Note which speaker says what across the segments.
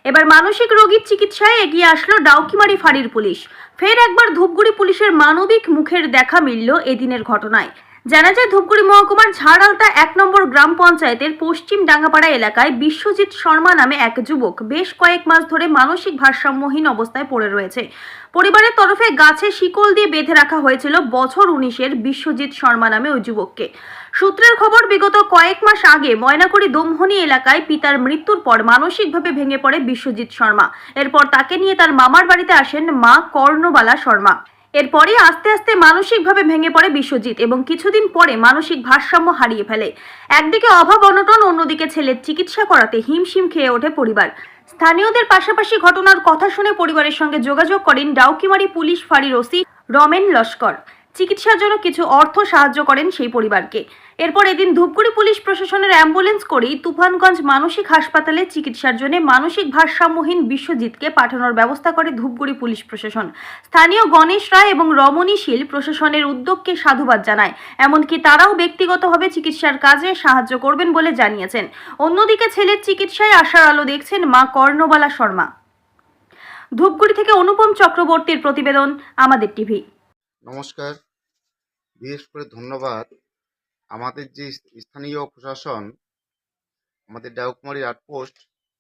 Speaker 1: এবার মানসিক রোগীর চিকিৎসায় এগিয়ে আসলো ডাউকিমারি ফাঁড়ির পুলিশ। ফের একবার ধূপগুড়ি পুলিশের মানবিক মুখের দেখা মিলল এদিনের ঘটনায়। জানা যায়, ধূপগুড়ি মহকুমার ঝাড়ালতা 1 নম্বর গ্রাম পঞ্চায়েতের পশ্চিম ডাঙ্গাপাড়া এলাকায় বিশ্বজিৎ শর্মা নামে এক যুবক বেশ কয়েক মাস ধরে মানসিক ভারসাম্যহীন অবস্থায় পড়ে রয়েছে। পরিবারের তরফে গাছে শিকল দিয়ে বেঁধে রাখা হয়েছিল বছর 19-এর বিশ্বজিৎ শর্মা নামে ওই যুবককে। সূত্রের খবর, বিগত কয়েক মাস আগে ময়নাকুড়ি দমহনি এলাকায় পিতার মৃত্যুর পর মানসিকভাবে ভেঙে পড়ে বিশ্বজিৎ শর্মা। এরপর তাকে নিয়ে তার মামার বাড়িতে আসেন মা কর্ণবালা শর্মা। এরপরই আস্তে আস্তে মানসিকভাবে ভেঙে পড়ে বিশ্বজিৎ এবং কিছুদিন পরে মানসিক ভারসাম্য হারিয়ে ফেলে। একদিকে অভাব অনটন, অন্যদিকে ছেলের চিকিৎসা করাতে হিমশিম খেয়ে ওঠে পরিবার। স্থানীয়দের পাশাপাশি ঘটনার কথা শুনে পরিবারের সঙ্গে যোগাযোগ করেন ডাউকিমারি পুলিশ ফাঁড়ির ওসি রমেন লস্কর। চিকিৎসার জন্য কিছু অর্থ সাহায্য করেন সেই পরিবারকে। এরপর এদিন ধূপগুড়ি পুলিশ প্রশাসনের অ্যাম্বুলেন্স করেই তুফানগঞ্জ মানসিক হাসপাতালে চিকিৎসার জন্য মানসিক ভারসাম্যহীন বিশ্বজিৎকে পাঠানোর ব্যবস্থা করে ধূপগুড়ি পুলিশ প্রশাসন। স্থানীয় গণেশ রায় এবং রমণী শীল প্রশাসনের উদ্যোগকে সাধুবাদ জানায়। এমনকি তারাও ব্যক্তিগতভাবে চিকিৎসার কাজে সাহায্য করবেন বলে জানিয়েছেন। অন্যদিকে ছেলের চিকিৎসায় আশার আলো দেখছেন মা কর্ণবালা শর্মা। ধূপগুড়ি থেকে অনুপম চক্রবর্তীর প্রতিবেদন, আমাদের টিভি।
Speaker 2: নমস্কার। বিশেষ করে ধন্যবাদ আমাদের যে স্থানীয় প্রশাসন, আমাদের ডাউকুমারি আউটপোস্ট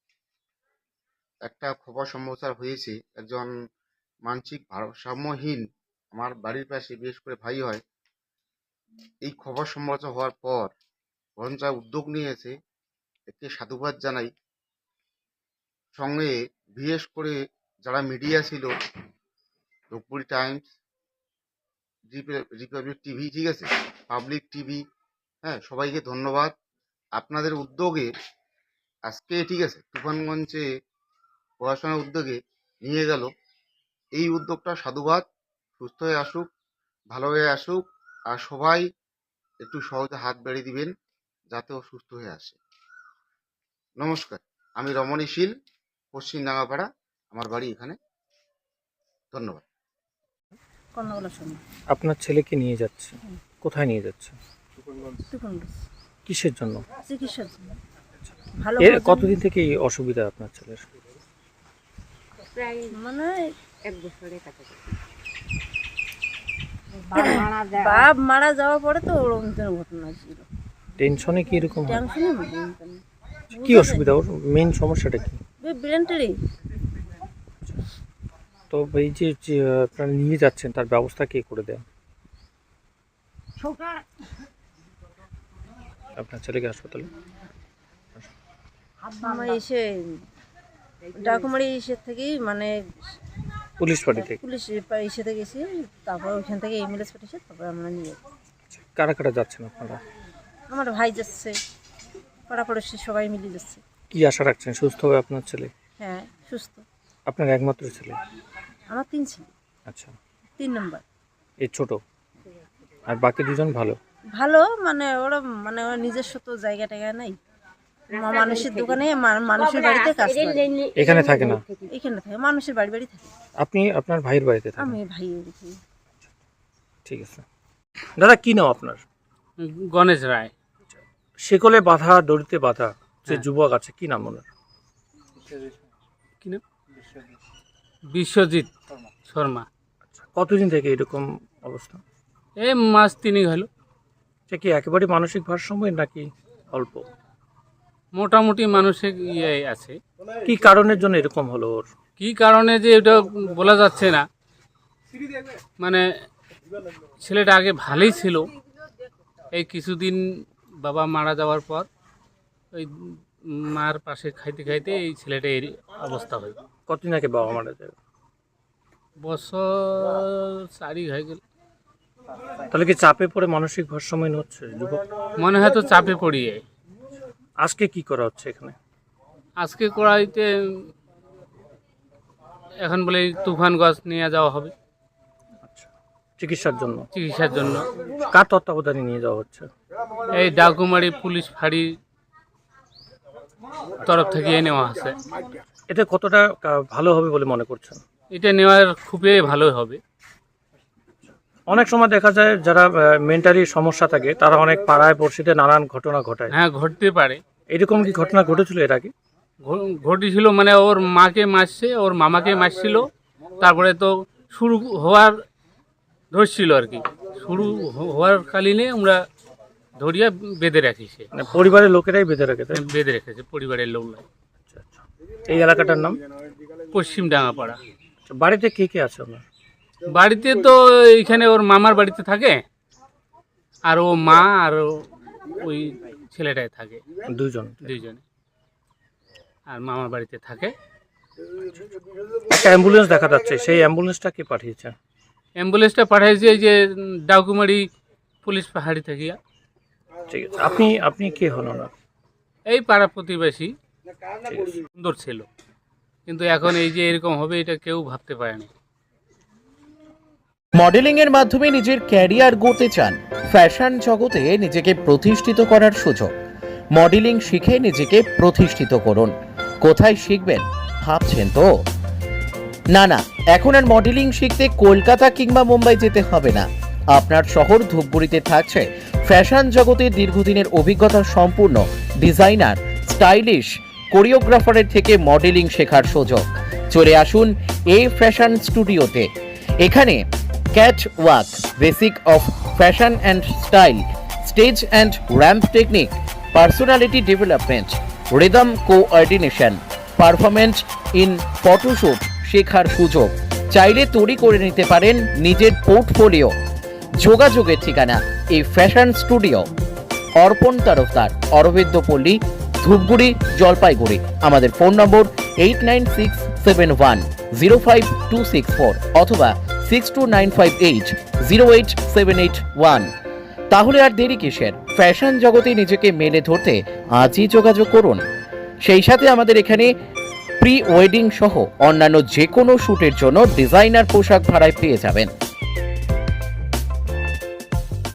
Speaker 2: একটা খবর সম্প্রচার হয়েছে। একজন মানসিক ভারসাম্যহীন আমার বাড়ির পাশে বিশেষ করে ভাই হয়। এই খবর সম্প্রচার হওয়ার পর পঞ্চায়েত উদ্যোগ নিয়েছে, একে সাধুবাদ জানাই। সঙ্গে বিশেষ করে যারা মিডিয়া ছিল, ধূপগুড়ি টাইমস, রিপাবলিক টিভি, ঠিক আছে, পাবলিক টিভি, হ্যাঁ, সবাইকে ধন্যবাদ। আপনাদের উদ্যোগে আজকে, ঠিক আছে, তুফানগঞ্জে প্রশাসনের উদ্যোগে নিয়ে গেল। এই উদ্যোগটা সাধুবাদ। সুস্থ হয়ে আসুক, ভালো হয়ে আসুক, আর সবাই একটু সহজে হাত বাড়িয়ে দিবেন যাতে ও সুস্থ হয়ে আসে। নমস্কার, আমি রমণী শীল, পশ্চিম ডাঙ্গাপাড়া, আমার বাড়ি এখানে। ধন্যবাদ।
Speaker 3: আপনার ছেলেকে নিয়ে যাচ্ছে, কোথায় নিয়ে যাচ্ছে? কিসের জন্য?
Speaker 4: চিকিৎসার জন্য। ভালো
Speaker 3: কতদিন থেকে এই অসুবিধা আপনার ছেলের?
Speaker 4: মানে 1 বছরের কাছাকাছি। বাপ মারা যাওয়ার পরে তো ওরকম ঘটনা ছিল।
Speaker 3: টেনশনে কি এরকম হয়?
Speaker 4: টেনশনে
Speaker 3: কি অসুবিধা, ওর মেইন সমস্যাটা কি?
Speaker 4: ব্রেনটারি।
Speaker 3: তো এই যে আপনারা নিয়ে যাচ্ছেন, তার ব্যবস্থা কে করে দেন আপনার ছেলেকে হাসপাতালে?
Speaker 4: আমার এসে ডাকুমারি এসে থেকেই, মানে
Speaker 3: পুলিশ পার্টি থেকে?
Speaker 4: পুলিশ এসে থেকে গেছি, তারপর ওইখান থেকে অ্যাম্বুলেন্স পাঠিয়েছে, তারপর আমরা নিয়ে
Speaker 3: কারা কারা যাচ্ছেন আপনারা?
Speaker 4: আমার ভাই যাচ্ছে, পাড়া পড়োশি সবাই মিলে যাচ্ছে।
Speaker 3: কি আশা রাখছেন, সুস্থ হবে আপনার ছেলে?
Speaker 4: হ্যাঁ, সুস্থ।
Speaker 3: আপনার একমাত্র ছেলে?
Speaker 4: আমার 3 ছেলে।
Speaker 3: আচ্ছা,
Speaker 4: 3 নম্বর।
Speaker 3: এই ছোট, আর বাকি দুজন ভালো?
Speaker 4: ভালো, মানে ওরা নিজস্ব তো জায়গা টায়গা নাই। মানুষের দোকানে, মানুষের বাড়িতে কাজ করে।
Speaker 3: এখানে থাকে না?
Speaker 4: এখানে থাকে, মানুষের বাড়ি বাড়ি থাকে।
Speaker 3: আপনি আপনার ভাইয়ের বাড়িতে থাকেন?
Speaker 4: আমি ভাইয়ের।
Speaker 3: ঠিক আছে। দাদা, কি নাম আপনার?
Speaker 5: গণেশ রায়।
Speaker 3: শিকলে বাঁধা, দড়িতে বাঁধা যে যুবক আছে, কি নাম ওনার?
Speaker 5: কি নাম? বিশ্বজিৎ শর্মা।
Speaker 3: কতদিন থেকে এরকম অবস্থা?
Speaker 5: এই মাস 3 হলো।
Speaker 3: সে কি একেবারে মানসিক ভারসাম্য নাকি অল্প?
Speaker 5: মোটামুটি মানসিক ইয়ে আছে।
Speaker 3: কি কারণের জন্য এরকম হলো ওর?
Speaker 5: কি কারণে যে এটা বলা যাচ্ছে না। মানে ছেলেটা আগে ভালোই ছিল, এই কিছুদিন বাবা মারা যাওয়ার পর ওই মার পাশে খাইতে খাইতে এই ছেলেটা এর অবস্থা হয়।
Speaker 3: কতদিন আগে বাবা মারা যায়?
Speaker 5: বছর 4 হয়ে গেল।
Speaker 3: তাহলে কি চাপে পড়ে মানসিক ভারসাম্যহীন হচ্ছে যুবক?
Speaker 5: মনে হয় তো চাপে পড়িয়ে।
Speaker 3: আজকে কি করা হচ্ছে এখানে?
Speaker 5: আজকে কড়াইতে এখন বলে তুফানগঞ্জ নিয়ে যাওয়া হবে
Speaker 3: আচ্ছা, চিকিৎসার জন্য?
Speaker 5: চিকিৎসার জন্য।
Speaker 3: কার তত্ত্বাবধানে নিয়ে যাওয়া হচ্ছে?
Speaker 5: এই ডাকুমারি পুলিশ ফাঁড়ির তরফ থেকে নেওয়া আছে।
Speaker 3: এতে কতটা ভালো হবে বলে মনে করছেন?
Speaker 5: এটা নেওয়ার খুবই ভালো হবে।
Speaker 3: অনেক সময় দেখা যায় যারা মেন্টালি সমস্যা থাকে তারা অনেক পাড়ায় পড়শিতে নানান ঘটনা ঘটায়।
Speaker 5: হ্যাঁ, ঘটতে পারে।
Speaker 3: এরকম কি ঘটনা ঘটেছিল এর আগে?
Speaker 5: ঘটেছিল, মানে ওর মাকে মারছে, ওর মামাকে মারছিল, তারপরে তো শুরু হওয়ার ধরছিল আর কি, শুরু হওয়ার কালীনে আমরা ধরিয়া বেঁধে রাখিছে,
Speaker 3: মানে পরিবারের লোকেরাই বেঁধে রাখে, তাই?
Speaker 5: বেঁধে রেখেছে পরিবারের লোকরা।
Speaker 3: এই এলাকাটার নাম?
Speaker 5: পশ্চিম ডাঙ্গাপাড়া।
Speaker 3: আচ্ছা, বাড়িতে কে কে আছে আপনার?
Speaker 5: বাড়িতে তো এইখানে ওর মামার বাড়িতে থাকে, আর ও মা আর ওই ছেলেটাই থাকে,
Speaker 3: দুইজনে।
Speaker 5: আর মামার বাড়িতে থাকে।
Speaker 3: একটা অ্যাম্বুলেন্স দেখা যাচ্ছে, সেই অ্যাম্বুলেন্সটা কে পাঠিয়েছে?
Speaker 5: অ্যাম্বুলেন্সটা পাঠাইছে এই যে ডাকুমারি পুলিশ পাহাড়ি থেকে।
Speaker 3: ঠিক আছে, আপনি কে হন না?
Speaker 5: এই পাড়া প্রতিবেশী।
Speaker 3: ঠিক আছে।
Speaker 5: সুন্দর ছিল, কিন্তু এখন এই যে এরকম হবে এটা কেউ ভাবতে পারেনি।
Speaker 6: মডেলিং এর মাধ্যমে নিজের ক্যারিয়ার গড়তে চান? ফ্যাশন জগতে নিজেকে প্রতিষ্ঠিত করার সুযোগ। মডেলিং শিখে নিজেকে প্রতিষ্ঠিত করুন। কোথায় শিখবেন ভাবছেন তো? না, এখন আর মডেলিং শিখতে কলকাতা কিংবা মুম্বাই যেতে হবে না। আপনার শহর ধূপগুড়িতে থাকছে ফ্যাশন জগতে দীর্ঘদিনের অভিজ্ঞতা সম্পূর্ণ ডিজাইনার, স্টাইলিশ কোরিওগ্রাফারের থেকে মডেলিং শেখার সুযোগ। চলে আসুন এই ফ্যাশন স্টুডিওতে। এখানে catwalk, basic of fashion and style, stage and ramp technique, personality development, rhythm coordination, performance in photoshoot শেখার সুযোগ। চাইলে তৈরি করে নিতে পারেন নিজের পোর্টফোলিও। যোগাযোগের ঠিকানা এই ফ্যাশন স্টুডিও, অর্পণ তরফদার, অরবিন্দ পল্লী, ধূপগুড়ি, জলপাইগুড়ি। আমাদের ফোন নম্বর 8967105264 অথবা 6295808781। তাহলে আর দেরি কিসের? ফ্যাশন জগতে নিজেকে মেলে ধরতে আজই যোগাযোগ করুন। সেই সাথে আমাদের এখানে প্রি ওয়েডিং সহ অন্যান্য যে কোনো শ্যুটের জন্য ডিজাইনার পোশাক ভাড়ায় পেয়ে যাবেন।